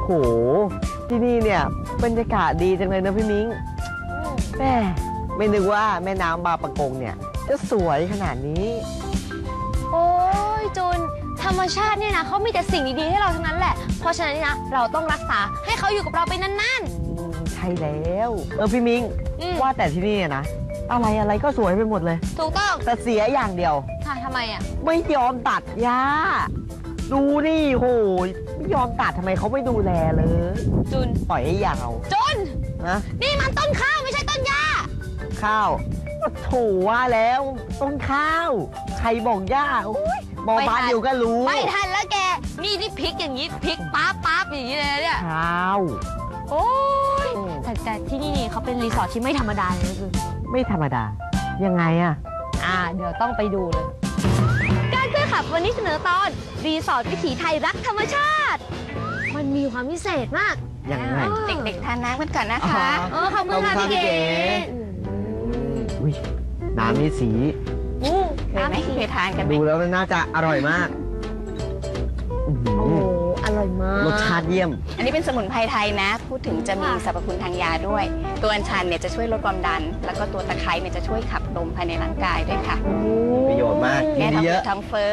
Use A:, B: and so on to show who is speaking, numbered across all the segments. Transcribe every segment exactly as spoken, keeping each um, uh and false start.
A: ที่นี่เนี่ยบรรยากาศดีจังเลยนะพี่มิ้งแม่ไม่นึกว่าแม่น้ำบางปะกงเนี่ยจะสวยขนาดนี้
B: โอ้ยจูนธรรมชาติเนี่ยนะเขามีแต่สิ่งดีๆให้เราทั้งนั้นแหละเพราะฉะนั้นนี่นะเราต้องรักษาให้เขาอยู่กับเราไปนาน
A: ๆใช่แล้วเออพี่มิ้งว่าแต่ที่นี่นะอะไรอะไรก็สวยไปหมดเลย
B: ถูกต้อง
A: แต่เสียอย่างเดียว
B: ค่ะทำไมอ่ะ
A: ไม่ยอมตัดหญ้าดูนี่โหไม่ยอมตัดทำไมเขาไม่ดูแลเลย
B: จุน
A: ปล่อยให้ยาว
B: จุน
A: นะ
B: นี่มันต้นข้าวไม่ใช่ต้นหญ้า
A: ข้าวโถว่าแล้วต้นข้าวใครบอกหญ้าโอ้ยมองบ้านเดียวก็รู้
B: ไม่ทันแล้วแกนี่นี่พลิกอย่างนี้พลิกป๊าบป๊าบอย่างนี้เลยเนี่ย
A: ข้าว
B: โอ้ยแต่แต่ที่นี่นี่เขาเป็นรีสอร์ทที่ไม่ธรรมดาเลยคือ
A: ไม่ธรรมดายังไงอะ
B: อ่าเดี๋ยวต้องไปดูเลยการเพื่อขับวันนี้เสนอตอนรีสอร์ทวิถีไทยรักธรรมชาติมันมีความพิเศษมาก
A: ยังไง
B: เด็กๆทานน้ำกันก่อนนะคะเออขอบคุณค่ะพี่เก๋
A: อุ้ยน้ำนี่สี
B: น้ำที่เคยทานกัน
A: ดูแล้วน่าจะอร่อยมาก
B: โอ้อร่อยมาก
A: รสชาติเยี่ยม
C: อันนี้เป็นสมุนไพรไทยนะพูดถึงจะมีสรรพคุณทางยาด้วยตัวอัญชันเนี่ยจะช่วยลดความดันแล้วก็ตัวตะไคร้เนี่ยจะช่วยขับลมภายในร่างกายด้วยค่ะ
A: ประโยชน์มาก
C: แก้ท้องท้องเฟ้อ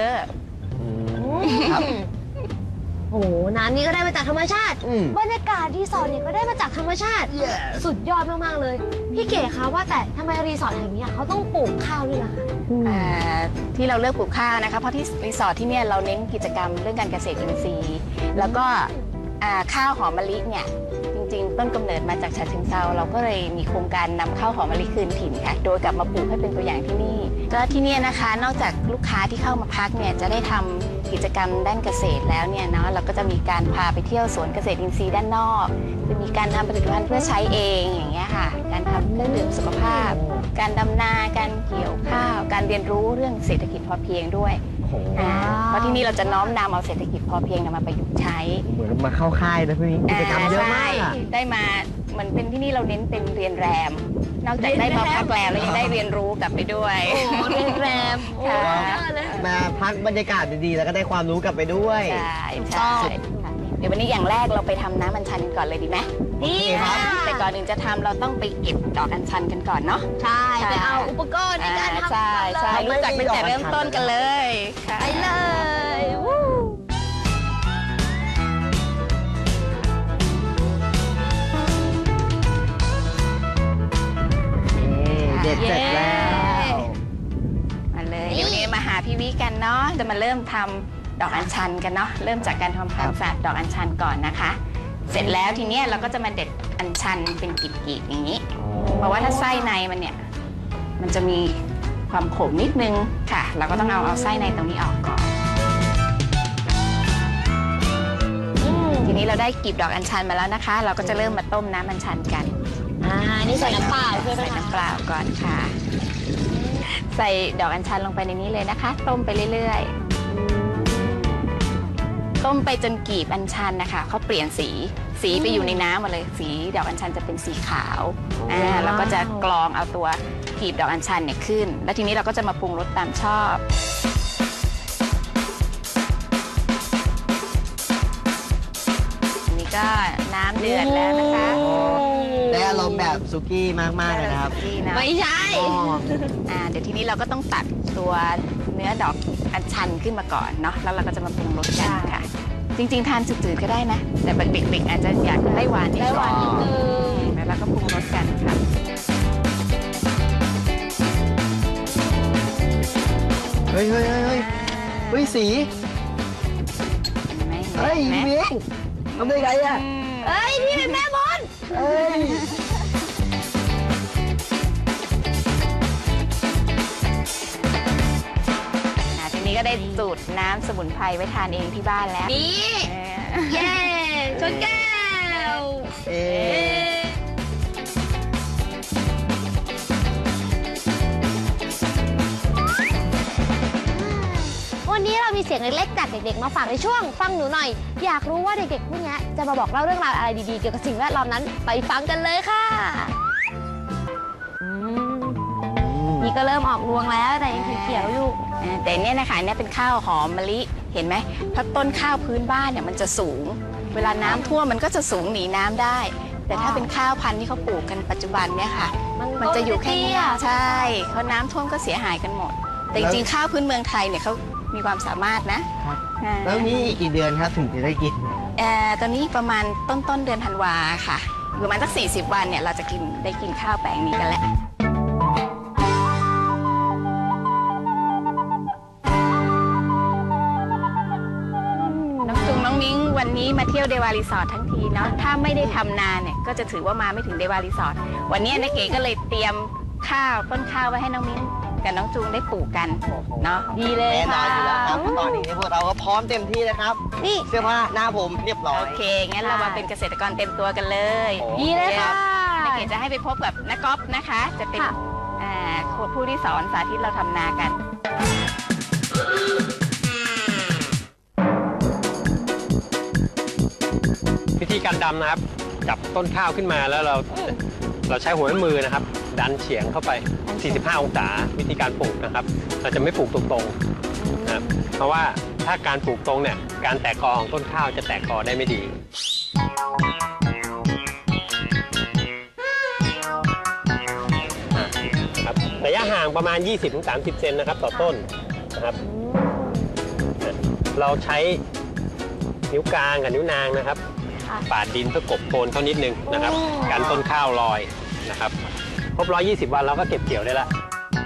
B: โอ้โหน้ำนี้ก็ได้มาจากธรรมชาติบรรยากาศรีสอร์ทเนี่ยก็ได้มาจากธรรมชาติสุดยอดมากๆเลยพี่เก๋คะว่าแต่ทำไมรีสอร์ทแห่งนี้เขาต้องปลูกข้าวด้วยล่ะคะ
C: ที่เราเลือกปลูกข้าวนะคะเพราะที่รีสอร์ทที่เนี่ยเราเน้นกิจกรรมเรื่องการเกษตรอินทรีย์แล้วก็ข้าวหอมมะลิเนี่ยจริงๆต้นกำเนิดมาจากฉะเชิงเทราเราก็เลยมีโครงการนำข้าวหอมมะลิคืนถิ่นค่ะโดยกลับมาปลูกให้เป็นตัวอย่างที่นี่ก็ที่นี่นะคะนอกจากลูกค้าที่เข้ามาพักเนี่ยจะได้ทำกิจกรรมด้านเกษตรแล้วเนี่ยเนาะเราก็จะมีการพาไปเที่ยวสวนเกษตรอินทรีย์ด้านนอกจะมีการทำผลิตภัณฑ์เพื่อใช้เองอย่างเงี้ยค่ะการทำเครื่องดื่มสุขภาพการดำนาการเกี่ยวข้าวการเรียนรู้เรื่องเศรษฐกิจพอเพียงด้วยเพราะที่นี่เราจะน้อมนำเอาเศรษฐกิจพอเพียงมาประยุกต์ใช้
A: เหมือนมาเข้าค่ายนะพี่กิจกรรมเยอะมาก
C: ได้มาเหมือนเป็นที่นี่เราเน้นเป็นเรียนแรมนอกจากได้มาพักแรมแล้วยังได้เรียนรู้กลับไปด้วย
B: โอ้เรียนแรม
A: มาพักบรรยากาศดีๆแล้วก็ได้ความรู้กลับไปด้วย
C: ใช่ใช่เดี๋ยววันนี้อย่างแรกเราไปทำน้ำอัญชันกันก่อนเลยดีไหม
B: ดีครับ
C: แต่ก่อนอื่นจะทำเราต้องไปเก็บดอกอัญชันกันก่อนเนาะ
B: ใช่ไปเอาอุปกรณ์ในการทำ
C: ใช่ใช่รู้จักตั้งแต่เริ่มต้นกันเลย
B: ไปเลย
A: เด็ดเสร็จแล้ว
C: มาเลยเดี๋ยวนี้มาหาพี่วิกันเนาะจะมาเริ่มทำดอกอัญชันกันเนาะเริ่มจากการทำความสะอาดดอกอัญชันก่อนนะคะเสร็จแล้วทีนี้เราก็จะมาเด็ดอัญชันเป็นกลีบๆอย่างนี้เพราะว่าถ้าไส้ในมันเนี่ยมันจะมีความขมนิดนึงค่ะเราก็ต้องเอาเอาไส้ในตรงนี้ออกก่อนทีนี้เราได้กลีบดอกอัญชันมาแล้วนะคะเราก็จะเริ่มมาต้มน้ำอัญชันกัน
B: อ่านี่ใส่น้ำเปล่าใช่ไหม
C: ใส่น้ำเปล่าก่อนค่ะใส่ดอกอัญชันลงไปในนี้เลยนะคะต้มไปเรื่อยๆต้มไปจนกลีบอัญชันนะคะเขาเปลี่ยนสีสีไปอยู่ในน้ำหมดเลยสีดอกอัญชันจะเป็นสีขาวอ่าเราก็จะกรองเอาตัวกลีบดอกอัญชันเนี่ยขึ้นแล้วทีนี้เราก็จะมาปรุงรสตามชอบนี่ก็น้ำเดือดแล้วนะคะ
A: ได้อารมณ์แบบซุกี้มากๆเลยนะครับ
B: ไม่ใช่
C: อ่าเดี๋ยวทีนี้เราก็ต้องตัดตัวเนื้อดอกอัญชันขึ้นมาก่อนเนาะแล้วเราก็จะมาปรุงรสกันค่ะจริงๆทานจืดๆก็ได้นะแต่เด็กๆอาจจะอยากได้หวานนิดนึงแล้วเราก็ปรุงรสกันค่ะ
A: เฮ้ยเฮ้ยเฮ้ยเฮ้ยสีเฮ้ยมิ้งทำได้ไงอะ
B: เฮ้ยนี่เป็นแม่มด
A: เฮ้ย
C: ทีนี้ก็ได้สูตรน้ำสมุนไพรไว้ทานเองที่บ้านแล้ว
B: นี่เย้ชนแก้วเอ๊วันนี้เรามีเสียงเล็กๆจากเด็กๆมาฝากในช่วงฟังหนูหน่อยอยากรู้ว่าเด็กๆพวกนี้จะมาบอกเล่าเรื่องราวอะไรดีๆเกี่ยวกับสิ่งแวดล้อมนั้นไปฟังกันเลยค่ะนี่ก็เริ่มออกรวงแล้วแต่ยังเขียวๆอยู่
C: แต่เนี่ยนะคะเนี่ยเป็นข้าวหอมมะลิเห็นไหมเพราะต้นข้าวพื้นบ้านเนี่ยมันจะสูงเวลาน้ำท่วมมันก็จะสูงหนีน้ำได้ แต่ถ้าเป็นข้าวพันธุ์ที่เขาปลูกกันปัจจุบันเนี่ยค่ะ มันจะอยู่แค่นี้ใช่เขาน้ำท่วมก็เสียหายกันหมด แต่จริงๆข้าวพื้นเมืองไทยเนี่ยเขามีความสามารถนะ
A: แล้วนี่อีกกี่เดือนครับถึงจะได้กิน
C: เอ่อตอนนี้ประมาณต้นต้นเดือนธันวาค่ะประมาณสักสี่สิบวันเนี่ยเราจะกินได้กินข้าวแปลงนี้กันแล้วน้องจุงน้องมิ้งวันนี้มาเที่ยวเดวารีสอร์ททั้งทีเนาะถ้าไม่ได้ทำนาเนี่ยก็จะถือว่ามาไม่ถึงเดวารีสอร์ทวันนี้นักเก๋ก็เลยเตรียมข้าวต้นข้าวไว้ให้น้องมิ้งกับน้องจุงได้ปลูกกันเนาะดีเลย
A: แน่นอ
C: ค่ะ
A: นอยู่แล้วครับเพราะตอนนี้พวกเราก็พร้อมเต็มที่นะครับ นี่เสื้อผ้าหน้าผมเรียบร้อย
C: โอเคงั้นเรามาเป็นเกษตรกรเต็มตัวกันเลย
A: โอ้
B: ดีเลยค่ะ
C: นักเก๋จะให้ไปพบกับนักกอล์ฟนะคะ จะเป็น
B: ค่ะ
C: อ่าผู้ที่สอนสาธิตเราทำนากัน
D: วิธีการดำนะครับจับต้นข้าวขึ้นมาแล้วเราเราใช้หัวแม่มือนะครับ ดันเฉียงเข้าไป สี่สิบห้า องศาวิธีการปลูกนะครับ เราจะไม่ปลูกตรงๆนะครับเพราะว่าถ้าการปลูกตรงเนี่ยการแตกกอของต้นข้าวจะแตกกอได้ไม่ดีครับระยะห่างประมาณ ยี่สิบถึงสามสิบ เซนนะครับต่อต้นนะครับเราใช้นิ้วกลางกับนิ้วนางนะครับปาดดินเพื่อกบโคนเขานิดนึงนะครับกันต้นข้าวลอยนะครับครบหนึ่งร้อยยี่สิบวันเราก็เก็บเกี่ยวได้แล้ว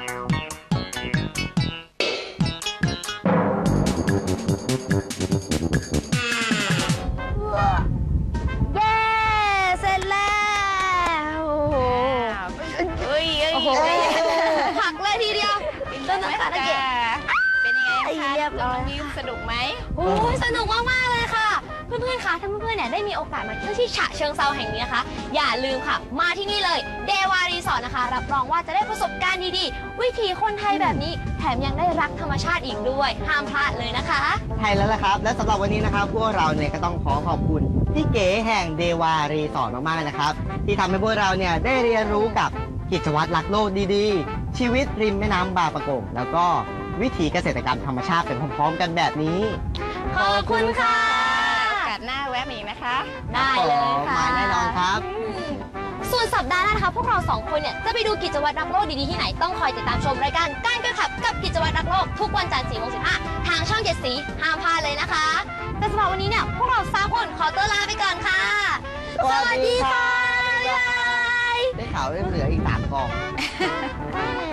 B: เย้เสร็จแล้ว
C: เฮ้ยเอ้ย
B: โอ้โหผักเลยทีเดียวต้นนักการะเกด
C: เป็นยังไง
B: ไอ้
C: คะ
B: เรียบร้อย
C: น้องมิ้วสนุกไหม
B: โอ้ยสนุกมากๆเลยค่ะ เพื่อนๆคะถ้าเพื่อนๆเนี่ยได้มีโอกาสมาเที่ยวที่ฉะเชิงเซาแห่งนี้นะคะอย่าลืมค่ะ มาที่นี่เลยเดวารีสอร์ทนะคะ รับรองว่าจะได้ประสบการณ์ดีๆ วิถีคนไทยแบบนี้แถมยังได้รักธรรมชาติอีกด้วยห้ามพลาดเลยนะคะ
A: ใช่แล้วล่ะครับ และสำหรับวันนี้นะครับพวกเราเนี่ยก็ต้องขอขอบคุณพี่เก๋แห่งเดวารีสอร์ทมากๆนะครับ ที่ทำให้พวกเราเนี่ยได้เรียนรู้กับกิจวัตรรักโลกดีๆ ชีวิตริมแม่น้ำบางปะกงแล้วก็วิถีเกษตรกรรมธรรมชาติเป็นพร้อมๆกันแบบนี้
B: ขอบคุณค่ะ
C: โอกาสหน้าแวะมาอีกนะคะ
B: ได้เลยค่ะ
A: มาแน่นอนครับ
B: ส่วนสัปดาห์หน้านะคะพวกเราสองคนเนี่ยจะไปดูกิจวัตรรักโลกดีๆที่ไหนต้องคอยติดตามชมรายการการกระขับกับกิจวัตรรักโลกทุกวันจันทร์สี่โมงสิบห้าทางช่องเจ็ดสีห้ามพลาดเลยนะคะ แต่สำหรับวันนี้เนี่ยพวกเราสามคนขอตัวลาไปก่อนค่ะ
A: สวัสดีค่ะ
B: บ๊ายบาย
A: ได้ข่าวว่าเหลืออีกสามกล่อง
B: อืม